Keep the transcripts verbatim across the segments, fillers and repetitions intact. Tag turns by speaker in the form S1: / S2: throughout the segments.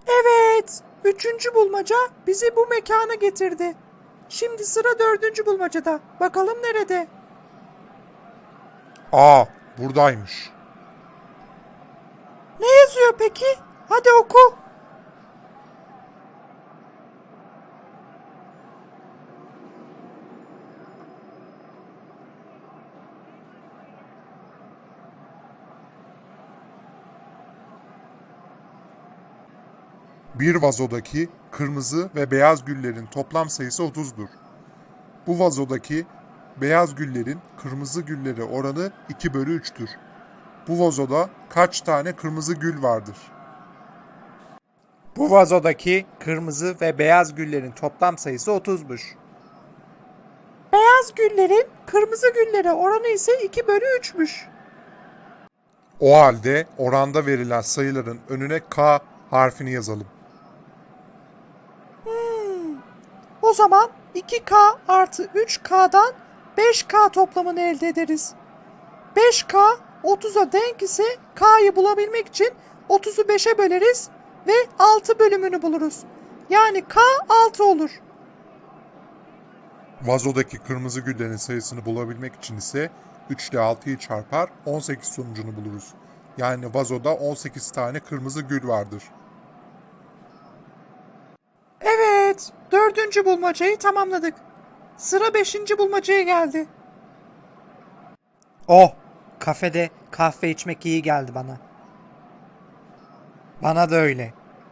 S1: Evet, üçüncü bulmaca bizi bu mekana getirdi. Şimdi sıra dördüncü bulmacada. Bakalım nerede?
S2: Aa, buradaymış.
S1: Ne yazıyor peki? Hadi oku.
S2: Bir vazodaki kırmızı ve beyaz güllerin toplam sayısı otuzdur. Bu vazodaki beyaz güllerin kırmızı güllere oranı iki bölü üçtür. Bu vazoda kaç tane kırmızı gül vardır?
S3: Bu vazodaki kırmızı ve beyaz güllerin toplam sayısı otuzmuş.
S1: Beyaz güllerin kırmızı güllere oranı ise iki bölü üçmüş.
S2: O halde oranda verilen sayıların önüne K harfini yazalım.
S1: O zaman iki K artı üç K'dan beş K toplamını elde ederiz. beş K otuza denk ise K'yı bulabilmek için otuzu beşe böleriz ve altı bölümünü buluruz. Yani K altı olur.
S2: Vazodaki kırmızı güllerin sayısını bulabilmek için ise üç ile altıyı çarpar on sekiz sonucunu buluruz. Yani vazoda on sekiz tane kırmızı gül vardır.
S1: Evet, dördüncü bulmacayı tamamladık. Sıra beşinci bulmacaya geldi.
S3: Oh, kafede kahve içmek iyi geldi bana. Bana da öyle.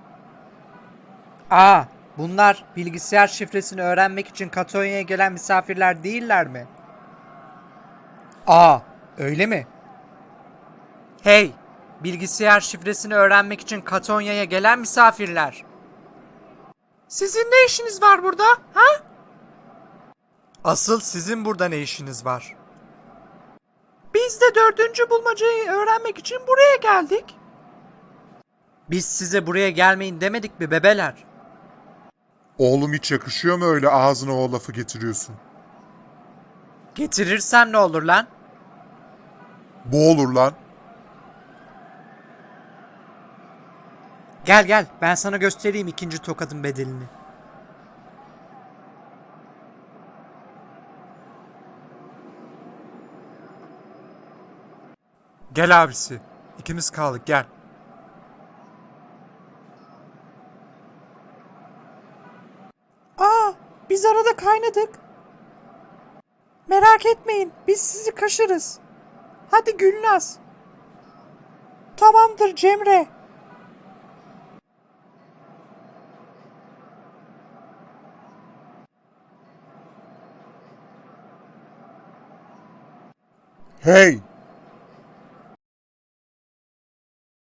S3: Aa, bunlar bilgisayar şifresini öğrenmek için Katonya'ya gelen misafirler değiller mi? Aa, öyle mi? Hey, bilgisayar şifresini öğrenmek için Katonya'ya gelen misafirler.
S1: Sizin ne işiniz var burada? Ha?
S3: Asıl sizin burada ne işiniz var?
S1: Biz de dördüncü bulmacayı öğrenmek için buraya geldik.
S3: Biz size buraya gelmeyin demedik mi bebeler?
S2: Oğlum hiç yakışıyor mu öyle ağzına o lafı getiriyorsun?
S3: Getirirsem ne olur lan?
S2: Bu olur lan.
S3: Gel gel, ben sana göstereyim ikinci tokadın bedelini. Gel abisi. İkimiz kaldık, gel.
S1: Aa, biz arada kaynadık. Merak etmeyin, biz sizi kaşırız. Hadi Gülnaz. Tamamdır Cemre.
S2: Hey!